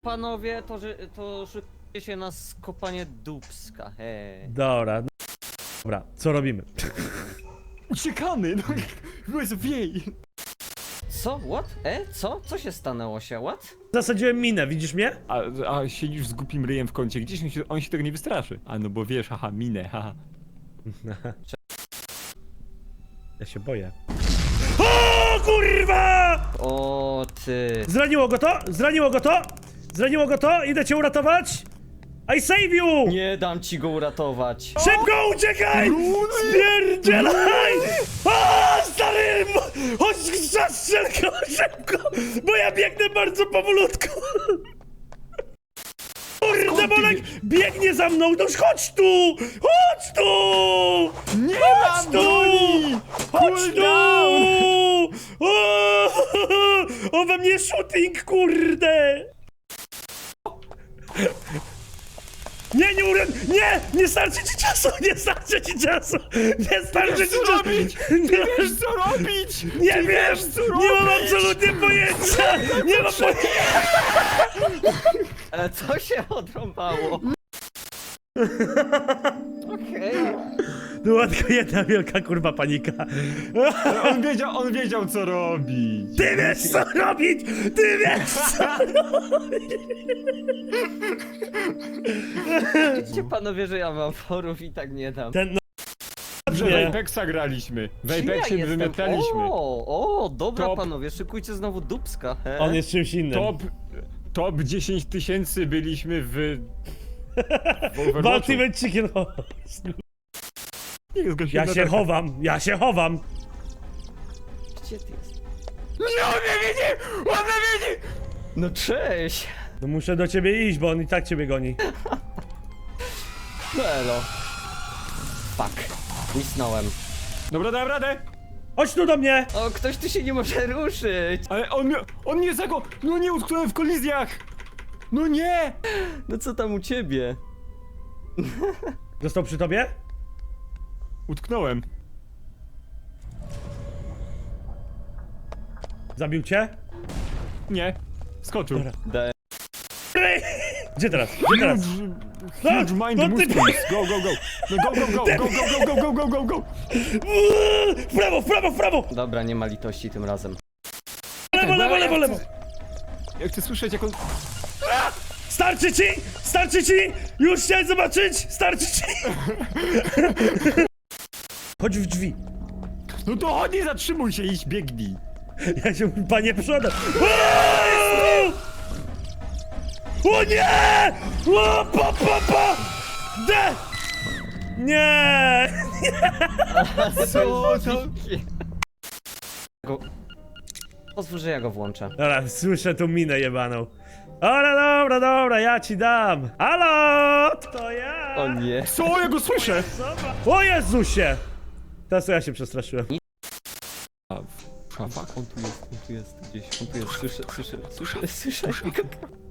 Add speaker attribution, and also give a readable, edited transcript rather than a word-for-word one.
Speaker 1: Panowie, to szykujcie się na skopanie dupska, hej.
Speaker 2: Dobra, dobra, co robimy?
Speaker 3: Uciekamy! No, wiej!
Speaker 1: Co? What? Co? Co się stanęło się? What?
Speaker 2: Zasadziłem minę, widzisz mnie?
Speaker 3: A siedzisz z głupim ryjem w kącie, gdzieś on się tego nie wystraszy. A no bo wiesz, haha, minę, haha.
Speaker 2: Ja się boję. O kurwa!
Speaker 1: O ty.
Speaker 2: Zraniło go to? Zraniło go to? Zraniło go to? Idę cię uratować! I save you!
Speaker 1: Nie dam ci go uratować.
Speaker 2: Szybko uciekaj! Spierdzielaj! O, stary! Chodź, zastrzel go szybko! Bo ja biegnę bardzo powolutku! Kurde, Bolek biegnie za mną! No chodź tu! Chodź tu!
Speaker 3: Nie
Speaker 2: Chodź
Speaker 3: mam
Speaker 2: tu!
Speaker 3: broni!
Speaker 2: Chodź tu!
Speaker 3: Cooldown!
Speaker 2: O we mnie shooting, kurde! Nie! Nie starczy ci czasu! Nie starczy ci czasu! Nie starczy ci
Speaker 3: co
Speaker 2: czasu!
Speaker 3: robić? Wiesz co robić!
Speaker 2: Nie
Speaker 3: Ty
Speaker 2: wiem!
Speaker 3: wiesz, co
Speaker 2: Nie mam
Speaker 3: robić!
Speaker 2: absolutnie pojęcia! Nie mam pojęcia!
Speaker 1: Ale co się odrąbało? Okej.
Speaker 2: Była tylko jedna wielka kurwa panika.
Speaker 3: Ale on wiedział co robić!
Speaker 2: Ty wiesz co robić! Ty wiesz co robić!
Speaker 1: Widzicie panowie, że ja mam forów i tak nie dam.
Speaker 2: Ten
Speaker 3: Że w
Speaker 2: nie.
Speaker 3: Apexa graliśmy. W
Speaker 1: Czy ja
Speaker 3: Apexie
Speaker 1: jestem?
Speaker 3: wymiataliśmy.
Speaker 1: O, dobra
Speaker 3: Top.
Speaker 1: panowie, szykujcie znowu dupska, he?
Speaker 2: On jest czymś innym.
Speaker 3: Top 10 000 byliśmy w Overwatchu.
Speaker 2: Ultimate Chicken Horse.
Speaker 3: Nie, zgasiłem
Speaker 2: Ja się
Speaker 3: latarkę.
Speaker 2: chowam, ja się chowam!
Speaker 1: Gdzie ty jest?
Speaker 3: Nie, on mnie widzi! On mnie widzi!
Speaker 1: No cześć!
Speaker 2: No muszę do ciebie iść, bo on i tak ciebie goni.
Speaker 1: No elo. Fuck. Misnąłem.
Speaker 3: Dobra, dałem radę!
Speaker 2: Chodź tu do mnie!
Speaker 1: O, ktoś tu się nie może ruszyć!
Speaker 3: Ale on mnie No nie, utknąłem w kolizjach! No nie!
Speaker 1: No co tam u ciebie?
Speaker 2: Został przy tobie?
Speaker 3: Utknąłem.
Speaker 2: Zabił cię?
Speaker 3: Nie. Skoczył.
Speaker 2: Dobra.
Speaker 1: Daj.
Speaker 2: Gdzie teraz? Gdzie teraz?
Speaker 3: Huge mind
Speaker 2: no ty-
Speaker 3: movements. Go, go, go. No go, go.
Speaker 2: W prawo, w prawo, w prawo!
Speaker 1: Dobra, nie ma litości tym razem.
Speaker 2: Lewo, lewo, lewo, lewo!
Speaker 3: Ja chcę słyszeć jak on...
Speaker 2: Starczy ci! Starczy ci! Już chciałem zobaczyć! Starczy ci! Chodź w drzwi.
Speaker 3: No to chodź, nie zatrzymuj się, idź, biegnij.
Speaker 2: Ja się, panie, przodem. O nie! O, pa! D! Nie!
Speaker 1: Co to? Pozwól, że ja go włączę.
Speaker 2: Dobra, słyszę tą minę jebaną. Ale dobra, ja ci dam. Halo! To ja!
Speaker 1: O nie.
Speaker 3: Co? Ja go słyszę!
Speaker 2: O Jezusie! Teraz to ja się przestraszyłem.
Speaker 3: A fuck.
Speaker 1: On tu jest gdzieś, on tu jest, słyszę go.